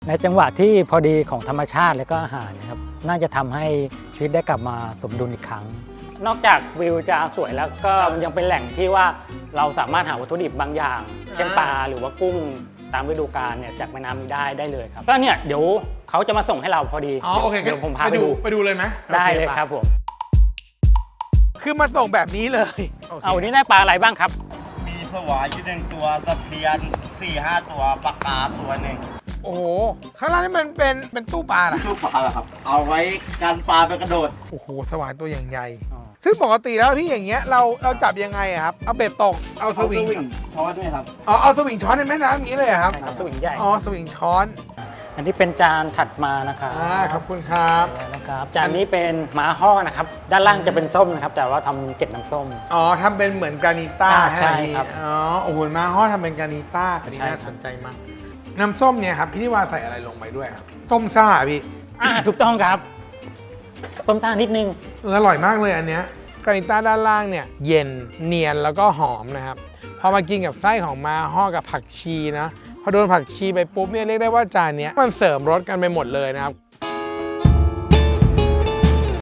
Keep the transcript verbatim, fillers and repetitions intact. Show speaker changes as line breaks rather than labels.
ในจังหวะที่พอดีของธรรมชาติและก็อาหารนะครับน่าจะทำให้ชีวิตได้กลับมาสมดุลอีกครั้ง นอกจากวิวจะสวยแล้วก็ยังเป็นแหล่งที่ว่าเราสามารถหาวัตถุดิบบางอย่าง เช่นปลาหรือว่ากุ้งตามฤดูกาลเนี่ยจากแม่น้ำนี้ได้ได้เลยครับก็เนี่ยเดี๋ยวเขาจะมาส่งให้เราพอดี
อ๋อโอเค
เดี๋ยวผมพาไปดู
ไปดูเลยไหม
ได้เลยครับผม
คือมาส่งแบบนี้เลย
เอาวันนี้ได้ปลาอะไรบ้างครับ
มีสวายอยู่หนึ่งตัวตะเพียนสี่ห้าตัวปลากาตัวหนึ่ง
โอ้โหข้างล่างนี่มันเป็นเป็นตู้ปลาเหรอ
ลูกปลาเหรอครับ เอาไว้การปลาไปกระโดด
โอ้โหสวายตัวอย่างใหญ่
อ๋อ
ซึ่งปกติแล้วที่อย่างเงี้ยเราเราจับยังไงอะครับเอาเบ็ดตกเอาส
เอา
วิง
ช้อนด้วยครับ
อ๋อเอาสวิงช้อนในแม่น้ำอย่างนี้เลยเหรอครับ
ใช่ครับสวิงใหญ่
อ๋อสวิงช้อน
อันนี้เป็นจานถัดมานะครับ
อ่าขอบคุณครับ
นะครับจานนี้เป็นม้าห่อนะครับด้านล่างจะเป็นส้มนะครับแต่ว่าทำเกล็ดน้ำส้ม
อ๋อทำเป็นเหมือนกรานิต้า
อ่าใช่ครับ
อ๋อโอ้โหมาห่อทำเป็นกรานิต้าอันนี้
ใช่
น่า
ครับ
สนใจมากน้ำส้มเนี่ยครับพี่นิวาใส่อะไรลงไปด้วยครับส้มซ่าพี่
อ่าถูกต้องครับต้มท่านิดนึง
เอออร่อยมากเลยอันเนี้ยกรานิต้าด้านล่างเนี่ยเย็นเนียนแล้วก็หอมนะครับพอมากินกับไส้ของมาห่อกับผักชีนะพอโดนผักชีไปปุ๊บเนี่ยเรียกได้ว่าจานเนี้ยมันเสริมรสกันไปหมดเลยนะครับ